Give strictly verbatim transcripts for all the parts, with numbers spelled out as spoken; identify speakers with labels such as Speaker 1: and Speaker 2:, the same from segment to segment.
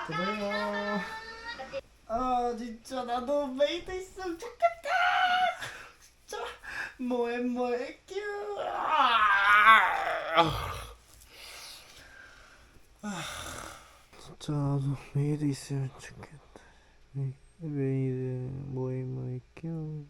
Speaker 1: 그래요. 아 진짜 나도 메이드 있으면 좋겠다. 진짜 뭐해 뭐해 큐. 진짜 나도 메이드 있으면 좋겠다. 메이드 뭐해 뭐해 큐.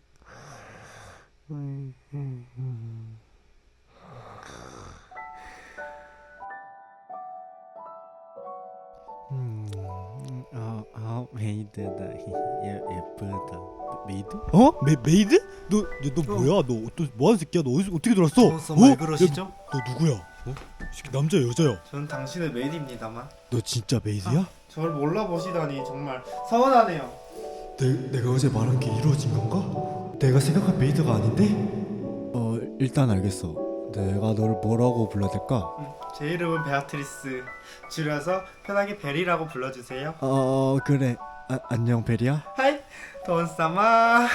Speaker 1: 음, 아, 아 메이드다. 예, 예쁘다. 메이드?
Speaker 2: 어? 메, 메이드? 너, 너, 너 뭐야? 너 또 뭐하는 새끼야? 너 어디서, 어떻게 들어왔어?
Speaker 1: 어서 말 그러시죠?
Speaker 2: 야, 너 누구야? 어? 이 새끼 남자야 여자야?
Speaker 1: 저는 당신의 메이드입니다만
Speaker 2: 너 진짜 메이드야?
Speaker 1: 저를 몰라보시다니 정말 서운하네요.
Speaker 2: 내, 내가 어제 말한 게 이루어진 건가? 내가 생각한 메이드가 아닌데? 어 일단 알겠어. 내가 너를 뭐라고 불러야 될까?
Speaker 1: 음, 제 이름은 베아트리스. 줄여서 편하게 베리라고 불러주세요.
Speaker 2: 어 그래. 아, 안녕 베리야.
Speaker 1: 하이 돈사마.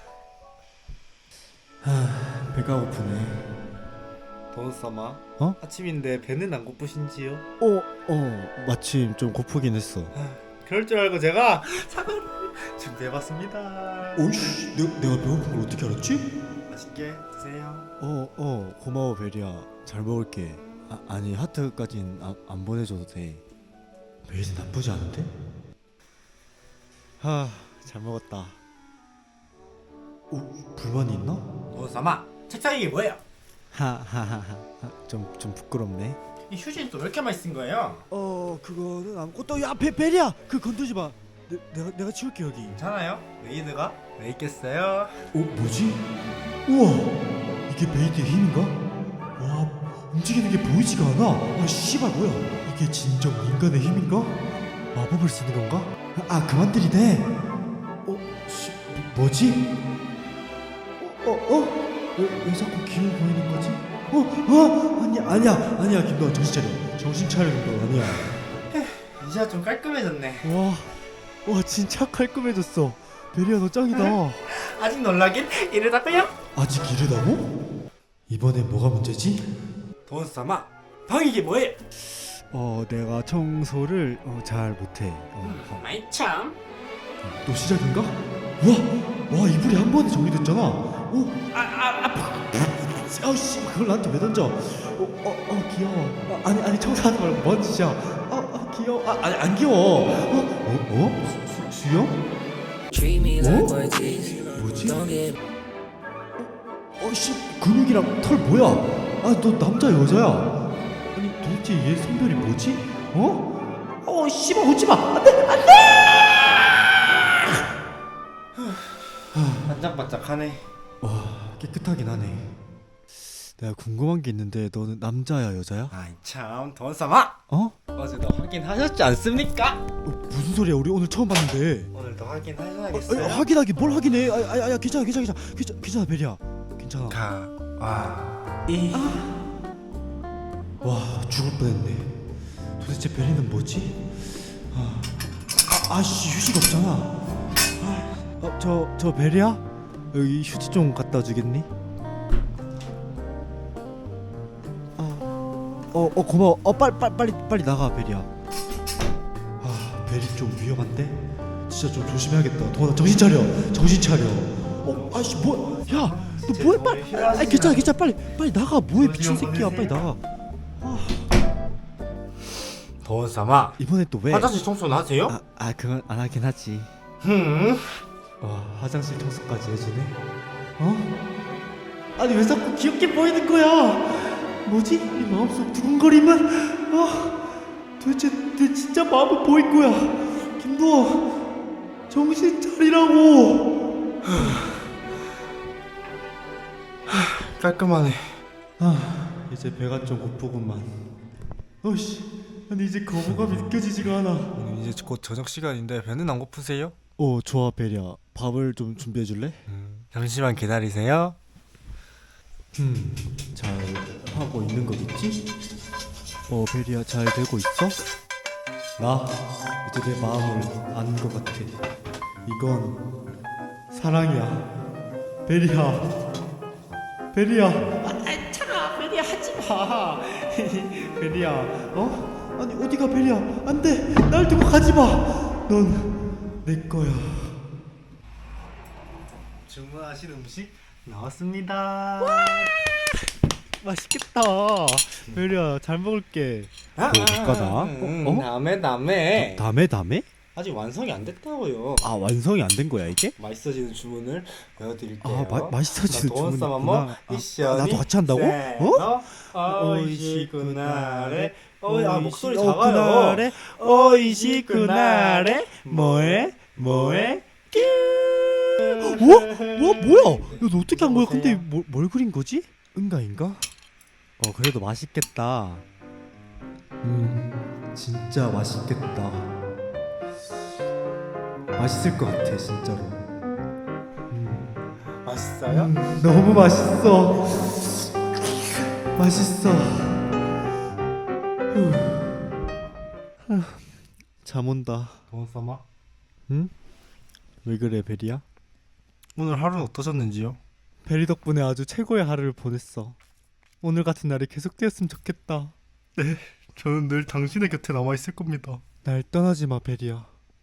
Speaker 2: 하, 배가 고프네.
Speaker 1: 돈사마.
Speaker 2: 어?
Speaker 1: 아침인데 배는 안 고프신지요?
Speaker 2: 어, 어 마침 좀 고프긴 했어.
Speaker 1: 아, 그럴 줄 알고 제가 사과를 준비해봤습니다.
Speaker 2: 오이씨, 내가, 내가 배고픈 걸 어떻게 알았지?
Speaker 1: 맛있게 드세요.
Speaker 2: 어, 어, 고마워 베리야. 잘 먹을게. 아, 아니 하트까진 아, 안 보내줘도 돼. 메이드 나쁘지 않은데? 하, 잘 먹었다. 어, 불만이 있나?
Speaker 1: 돈사마, 책상 이게 뭐예요?
Speaker 2: 하하하하. 좀, 좀 부끄럽네.
Speaker 1: 이 휴지는 또 왜 이렇게 많이 쓴 거예요?
Speaker 2: 어, 그거는 아무것도. 야, 베, 베리야, 그 건들지 마. 내, 내가 내가 치울게 여기.
Speaker 1: 괜찮아요? 메이드가 왜 있겠어요?
Speaker 2: 어, 뭐지? 우와, 이게 메이드의 힘인가? 와, 움직이는 게 보이지가 않아. 아, 씨발 뭐야? 이게 진정 인간의 힘인가? 마법을 쓰는 건가? 아, 그만 들이대. 어, 씨, 뭐, 뭐지? 어, 어, 어? 왜, 왜 자꾸 기어 보이는 거지? 어, 어, 아니야, 아니야, 아니야, 김도환 정신 차려. 정신 차려, 김도환 아니야.
Speaker 1: 이제야 좀 깔끔해졌네.
Speaker 2: 와, 와, 진짜 깔끔해졌어. 베리야, 너 짱이다.
Speaker 1: 아직 놀라긴 이르다고요?
Speaker 2: 아직 이르다고? 이번엔 뭐가 문제지?
Speaker 1: 돈사마, 방 이게 뭐예요?
Speaker 2: 어, 내가 청소를 어, 잘 못해. 어,
Speaker 1: 마이 참.
Speaker 2: 또 시작인가? 와, 와 이불이 한 번에 정리됐잖아. 오,
Speaker 1: 아, 아, 아파.
Speaker 2: 아우씨, 그걸 나한테 왜 던져? 어, 어, 어 귀여워. 아, 아니, 아니 청소하지 말고 뭔 짓이야? 아, 아 귀여워. 아, 아니 안 귀여워. 어, 어, 어? 수, 수, 수영? 어? 뭐지? 어, 씨, 근육이랑 털 뭐야? 아, 너 남자 여자야? 아니 도대체 얘 성별이 뭐지? 어? 어, 씨발 오지 마. 안돼, 안돼.
Speaker 1: 반짝반짝하네.
Speaker 2: 와, 깨끗하긴 하네. 내가 궁금한 게 있는데 너는 남자야 여자야?
Speaker 1: 아이 참, 돈사마.
Speaker 2: 어?
Speaker 1: 어제도 확인하셨지 않습니까?
Speaker 2: 어, 무슨 소리야? 우리 오늘 처음 봤는데.
Speaker 1: 오늘도
Speaker 2: 아,
Speaker 1: 확인하셔야겠어요.
Speaker 2: 아, 확인하기 뭘 확인해? 아, 아, 아, 야, 괜찮아, 괜찮아, 괜찮아, 괜찮아, 괜찮아, 베리야, 괜찮아.
Speaker 1: 가, 와, 이.
Speaker 2: 와, 죽을 뻔했네. 도대체 베리는 뭐지? 아, 아, 아씨 휴지가 없잖아. 아, 어, 저, 저 베리야? 여기 휴지 좀 갖다 주겠니? 아, 어, 어 고마워. 어, 빨리, 빨리, 빨리, 빨리 나가, 베리야. 아, 베리 좀 위험한데? 진짜 좀 조심해야겠다. 도원아, 정신 차려, 정신 차려. 어, 아씨 뭐? 야, 너 뭐해? 빨리. 아, 괜찮아, 괜찮아, 빨리, 빨리 나가. 뭐해, 미친 새끼야, 빨리 나가.
Speaker 1: 돈사마,
Speaker 2: 이번에 또 왜?
Speaker 1: 화장실 청소는 하세요?
Speaker 2: 아, 아 그건 안 하긴 하지.
Speaker 1: 흠.
Speaker 2: 와, 화장실 청소까지 해주네. 어? 아니 왜 자꾸 귀엽게 보이는 거야? 뭐지? 이 마음속 두근거림은? 아, 도대체 내 진짜 마음은 뭐일 거야? 김도아, 정신 차리라고.
Speaker 1: 깔끔하네.
Speaker 2: 아, 이제 배가 좀 고프구만. 어씨, 아니 이제 거부감이 느껴지지가 않아.
Speaker 1: 오늘 이제 곧 저녁 시간인데 배는 안 고프세요?
Speaker 2: 어, 좋아 베리야. 밥을 좀 준비해 줄래?
Speaker 1: 음, 잠시만 기다리세요.
Speaker 2: 음, 잘 하고 있는 거겠지? 어, 베리야 잘 되고 있어? 나 이제 내 마음을 아는 것 같아. 이건 사랑이야. 베리야, 베리야. 아, 차가 베리야 하지 마. 베리야, 어? 아니 어디가 베리야? 안돼, 날 두고 가지마. 넌 내 거야.
Speaker 1: 주문하신 음식 나왔습니다.
Speaker 2: 맛있겠다. 베리야 잘 먹을게.
Speaker 1: 아,
Speaker 2: 뭐 올까나?
Speaker 1: 음,
Speaker 2: 어? 어?
Speaker 1: 다음에 다음에
Speaker 2: 다음에 다음에?
Speaker 1: 아직 완성이 안 됐다고요.
Speaker 2: 아 완성이 안 된 거야 이게?
Speaker 1: 맛있어지는 주문을 외워드릴게요.
Speaker 2: 아 마, 맛있어지는 주문이구나.
Speaker 1: 뭐
Speaker 2: 아,
Speaker 1: 미션이
Speaker 2: 아, 나도 같이 한다고? 어?
Speaker 1: 어이시구나래. 어이, 아 목소리
Speaker 2: 어,
Speaker 1: 작아요.
Speaker 2: 그날에 어이시 그날에 뭐해 뭐해 뀨. 와? 와 뭐야? 야, 너 어떻게 한 거야? 근데 뭘, 뭘 그린 거지? 응가인가? 어 그래도 맛있겠다. 음 진짜 맛있겠다. 맛있을 것 같아 진짜로. 음,
Speaker 1: 맛있어요?
Speaker 2: 음, 너무 맛있어. 맛있어. 후. 후. 잠 온다.
Speaker 1: 도원사마
Speaker 2: 응? 왜 그래 베리야?
Speaker 1: 오늘 하루는 어떠셨는지요?
Speaker 2: 베리 덕분에 아주 최고의 하루를 보냈어. 오늘 같은 날이 계속되었으면 좋겠다.
Speaker 1: 네, 저는 늘 당신의 곁에 남아 있을 겁니다.
Speaker 2: 날 떠나지 마 베리야.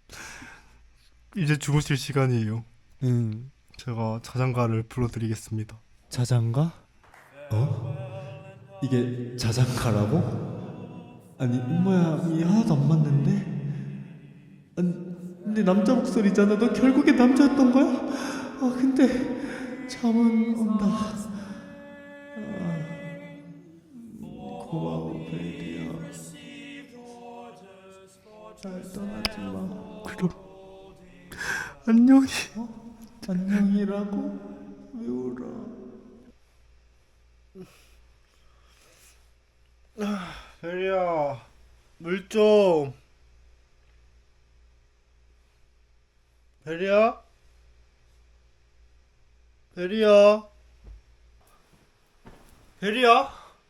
Speaker 1: 이제 주무실 시간이에요.
Speaker 2: 응.
Speaker 1: 제가 자장가를 불러드리겠습니다.
Speaker 2: 자장가? 어? 이게 자장가라고? 아니 음모양이 하나도 안 맞는데? 아니 근데 남자 목소리잖아. 너 결국에 남자였던 거야? 아 근데 잠은 온다. 아, 고마워 베리야. 날 떠나지 마.
Speaker 1: 그럼 안녕히.
Speaker 2: 어? 안녕이라고? 왜 울어?
Speaker 1: 베리야, 물 좀. 베리야? 베리야? 베리야?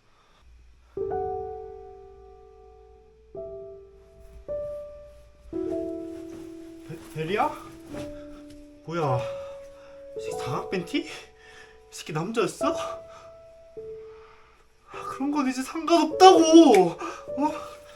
Speaker 1: 베, 베리야? 뭐야? 이 새끼 사각 팬티? 이 새끼 남자였어? 아, 그런 건 이제 상관없다고! 어?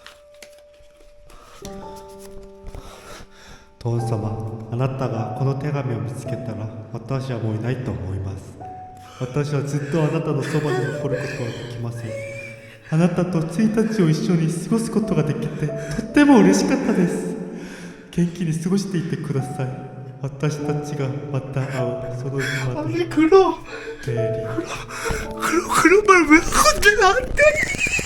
Speaker 2: 父様、あなたがこの手紙を見つけたら私はもういないと思います。私はずっとあなたのそばに残ることはできません。あなたといちにちを一緒に過ごすことができてとっても嬉しかったです。元気に過ごしていてください。私たちがまた会うその日まで。
Speaker 1: 아니 그럼
Speaker 2: ベリー
Speaker 1: 그럼 그런 말 왜 건데 나한테?